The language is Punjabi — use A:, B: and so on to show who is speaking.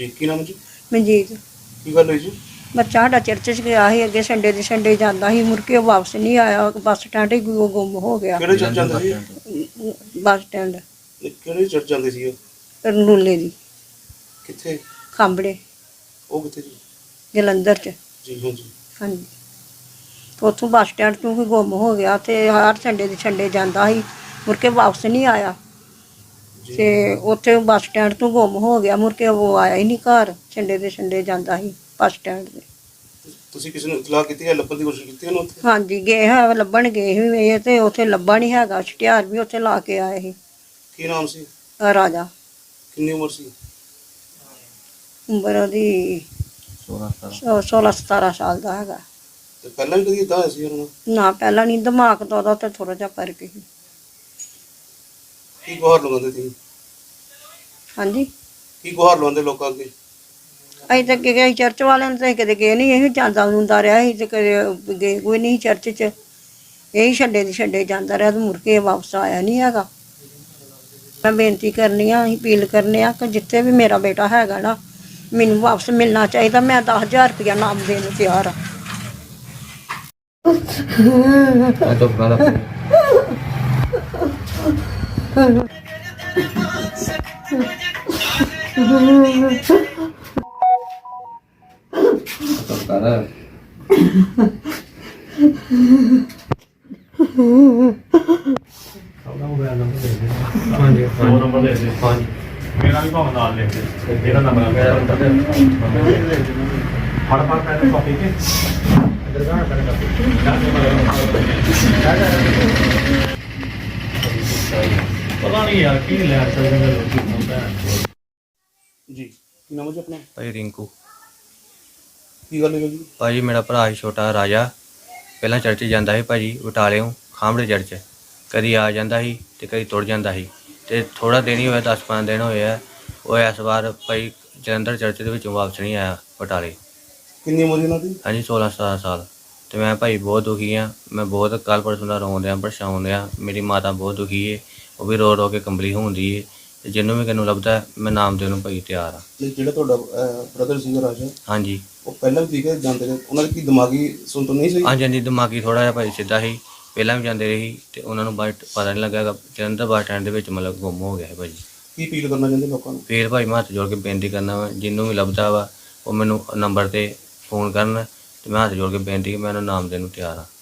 A: ਜੀ ਕੀ ਨਾਮ ਜੀ?
B: ਮਨਜੀਤ।
A: ਕੀ ਗੱਲ ਹੋਈ ਜੀ?
B: ਬੱਚਾ ਸਾਡਾ ਚਰਚ 'ਚ ਗਿਆ ਸੀ ਅੱਗੇ ਸੰਡੇ ਦੇ ਸੰਡੇ ਜਾਂਦਾ ਸੀ, ਮੁੜ ਕੇ ਉਹ ਵਾਪਸ ਨਹੀਂ ਆਇਆ, ਬੱਸ ਸਟੈਂਡ ਹੀ ਗੁੰਮ ਹੋ ਗਿਆ।
A: ਕਿਹੜੇ ਚਰਚ ਜਾਂਦੇ ਸੀ?
B: ਬੱਸ ਸਟੈਂਡ
A: ਕਿਹੜੇ ਚਰਚ ਜਾਂਦੇ ਸੀ ਉਹ?
B: ਰਨੂਲੇ ਦੀ
A: ਕਿੱਥੇ?
B: ਖਾਂਬੜੇ
A: ਉਹ ਕਿੱਥੇ ਜੀ?
B: ਜਲੰਧਰ 'ਚ।
A: ਜੀ ਹਾਂਜੀ।
B: ਹਾਂਜੀ, ਤੇ ਉੱਥੋਂ ਬੱਸ ਸਟੈਂਡ ਤੋਂ ਹੀ ਗੁੰਮ ਹੋ ਗਿਆ ਤੇ ਹਰ ਸੰਡੇ ਦੇ ਸੰਡੇ ਜਾਂਦਾ ਸੀ, ਮੁੜ ਕੇ ਵਾਪਸ ਨਹੀਂ ਆਇਆ
A: ਜੀ
B: ਤੇ ਉੱਥੇ ਬੱਸ ਸਟੈਂਡ ਤੋਂ ਗੁੰਮ ਹੋ ਗਿਆ। ਮੁੜ ਕੇ ਉਹ ਆਇਆ ਹੀ ਨਹੀਂ ਘਰ, ਸੰਡੇ ਦੇ ਸੰਡੇ ਜਾਂਦਾ ਸੀ ਬੱਸ ਸਟੈਂਡ 'ਤੇ।
A: ਤੁਸੀਂ ਕਿਸੇ ਨੂੰ ਇਤਲਾਹ ਕੀਤੀ ਹੈ? ਲੱਭਣ ਦੀ ਕੋਸ਼ਿਸ਼ ਕੀਤੀ ਉਹਨੂੰ ਉੱਥੇ?
B: ਹਾਂਜੀ ਗਏ ਹੈ, ਲੱਭਣ ਗਏ ਸੀ ਇਹ ਤੇ ਉੱਥੇ ਲੱਭਾ ਨਹੀਂ ਹੈਗਾ। ਇਸ਼ਤਿਹਾਰ ਵੀ ਉੱਥੇ ਲਾ ਕੇ ਆਏ ਸੀ।
A: ਕੀ ਨਾਮ ਸੀ?
B: ਰਾਜਾ।
A: ਕਿੰਨੀ ਉਮਰ ਸੀ?
B: ਉਮਰ ਉਹਦੀ 16-17 ਸਾਲ ਦਾ ਹੈਗਾ।
A: ਤੇ ਪਹਿਲਾਂ ਵੀ ਕਦੀ ਇਦਾਂ ਹੋਇਆ ਸੀ ਉਹਨਾਂ ਨਾਲ?
B: ਨਾ ਪਹਿਲਾਂ ਨਹੀਂ, ਦਿਮਾਗ ਤਾਂ ਉਹਦਾ ਤੇ ਥੋੜਾ ਜਿਹਾ ਫਰਕ ਸੀ।
A: ਕੀ ਗੁਹਾਰ ਲਗਾਉਂਦੇ ਸੀ?
B: ਹਾਂਜੀ,
A: ਕੀ ਗੁਹਾਰ ਲਗਾਉਂਦੇ ਲੋਕਾਂ ਅੱਗੇ?
B: ਅਸੀਂ ਤਾਂ ਅੱਗੇ ਗਏ ਚਰਚ ਵਾਲਿਆਂ ਨੂੰ ਤਾਂ ਕਦੇ ਗਏ ਨਹੀਂ, ਇਹ ਜਾਂਦਾ ਹੁੰਦਾ ਰਿਹਾ ਸੀ ਤੇ ਕਦੇ ਗਏ ਕੋਈ ਨਹੀਂ ਚਰਚ 'ਚ। ਇਹੀ ਛੱਡੇ ਦੀ ਛੱਡੇ ਜਾਂਦਾ ਰਿਹਾ ਤੇ ਮੁੜ ਕੇ ਵਾਪਸ ਆਇਆ ਨਹੀਂ ਹੈਗਾ। ਮੈਂ ਬੇਨਤੀ ਕਰਨੀ ਆ, ਅਸੀਂ ਅਪੀਲ ਕਰਨੇ ਆ ਕਿ ਜਿੱਥੇ ਵੀ ਮੇਰਾ ਬੇਟਾ ਹੈਗਾ ਨਾ, ਮੈਨੂੰ ਵਾਪਸ ਮਿਲਣਾ ਚਾਹੀਦਾ। ਮੈਂ 10,000 ਰੁਪਇਆ ਨਾਮ ਦੇਣ ਨੂੰ ਤਿਆਰ ਆ।
C: ਹਾਂਜੀ ਦੋ ਨੰਬਰ ਦੇ ਦੇ। ਹਾਂਜੀ ਮੇਰਾ ਵੀ ਭਾਵੇਂ ਨਾਲ ਲਿਖ ਦੇ, ਜਿਹੜਾ ਨੰਬਰ ਮੇਰਾ ਨੰਬਰ ਦੇ ਫੜ ਪਹਿਲੇ ਕਾਪੀ ਕੇ ਦਰਗਾਹ ਪਹਿਲੇ ਕਾਪੀ ਪਤਾ ਨਹੀਂ ਯਾਰ ਕੀ ਲੈ ਸਕਦੇ ਨੇ ਲੋਕੀ ਹੁੰਦਾ।
A: ਜੀ ਕੀ ਨਾਮ ਹੈ ਜੀ ਆਪਣਾ?
D: ਭਾਈ ਰਿੰਕੂ।
A: ਕੀ ਗੱਲ ਹੋਈ ਜੀ?
D: ਭਾਜੀ ਮੇਰਾ ਭਰਾ ਸੀ ਛੋਟਾ ਰਾਜਾ, ਪਹਿਲਾਂ ਚਰਚ ਜਾਂਦਾ ਸੀ ਭਾਜੀ ਬਟਾਲਿਓਂ ਖਾਂਬੜੇ ਚਰਚ। ਕਦੀ ਆ ਜਾਂਦਾ ਸੀ ਤੇ ਕਦੀ ਤੁਰ ਜਾਂਦਾ ਸੀ ਤੇ ਥੋੜ੍ਹਾ ਦਿਨ ਹੀ ਹੋਇਆ, 10-15 ਦਿਨ ਹੋਏ ਆ। ਉਹ ਇਸ ਵਾਰ ਭਾਈ ਜਲੰਧਰ ਚਰਚ ਦੇ ਵਿੱਚੋਂ ਵਾਪਸ ਨਹੀਂ ਆਇਆ ਬਟਾਲੇ।
A: ਕਿੰਨੀ ਉਮਰ ਸੀ ਉਹਨਾਂ ਦੀ?
D: ਹਾਂਜੀ 16-17 ਸਾਲ। ਤੇ ਮੈਂ ਭਾਈ ਬਹੁਤ ਦੁਖੀ ਹਾਂ। ਮੈਂ ਬਹੁਤ ਕੱਲ੍ਹ ਪਰਸੋਂ ਦਾ ਰੋਣ ਡਿਆ, ਪਰੇਸ਼ਾਨ ਡਿਆ। ਮੇਰੀ ਮਾਤਾ ਬਹੁਤ ਦੁਖੀ ਹੈ, ਉਹ ਵੀ ਰੋ ਰੋ ਕੇ ਕੰਬਲੀ ਹੁੰਦੀ ਹੈ। ਤੇ ਜਿਹਨੂੰ ਵੀ ਕਿਨੂੰ ਲੱਭਦਾ ਮੈਂ ਨਾਮ ਦੇਣ ਨੂੰ ਭਾਈ ਤਿਆਰ ਹਾਂ।
A: ਜਿਹੜਾ ਤੁਹਾਡਾ ਬ੍ਰਦਰ ਸੀਗਾ ਰਾਜਾ,
D: ਹਾਂਜੀ
A: ਉਹ ਪਹਿਲਾਂ ਵੀ ਠੀਕ ਹੈ ਜਾਂਦੇ ਰਹੇ? ਉਹਨਾਂ ਦੀ ਕੀ ਦਿਮਾਗੀ ਸੁਣਤ ਨਹੀਂ ਸੀ?
D: ਹਾਂਜੀ ਹਾਂਜੀ, ਦਿਮਾਗੀ ਥੋੜ੍ਹਾ ਜਿਹਾ ਭਾਈ ਸਿੱਧਾ ਸੀ, ਪਹਿਲਾਂ ਵੀ ਜਾਂਦੇ ਰਹੇ ਤੇ ਉਹਨਾਂ ਨੂੰ ਬਟ ਪਤਾ ਨਹੀਂ ਲੱਗਾ। ਜਲੰਧਰ ਬੱਸ ਸਟੈਂਡ ਦੇ ਵਿੱਚ ਮਤਲਬ ਗੁੰਮ ਹੋ ਗਿਆ ਹੈ ਭਾਜੀ।
A: ਕੀ ਅਪੀਲ ਕਰਨਾ ਚਾਹੁੰਦੇ ਲੋਕਾਂ ਨੂੰ?
D: ਫਿਰ ਭਾਈ ਮੈਂ ਹੱਥ ਜੋੜ ਕੇ ਬੇਨਤੀ ਕਰਨਾ ਵਾ, ਜਿਹਨੂੰ ਵੀ ਲੱਭਦਾ ਵਾ ਉਹ ਮੈਨੂੰ ਨੰਬਰ 'ਤੇ ਫੋਨ ਕਰਨ ਤੇ ਮੈਂ ਹੱਥ ਜੋੜ ਕੇ ਬੇਨਤੀ ਕਿ ਮੈਂ ਉਹਨੂੰ ਨਾਮ ਦੇਣ ਨੂੰ ਤਿਆਰ ਹਾਂ।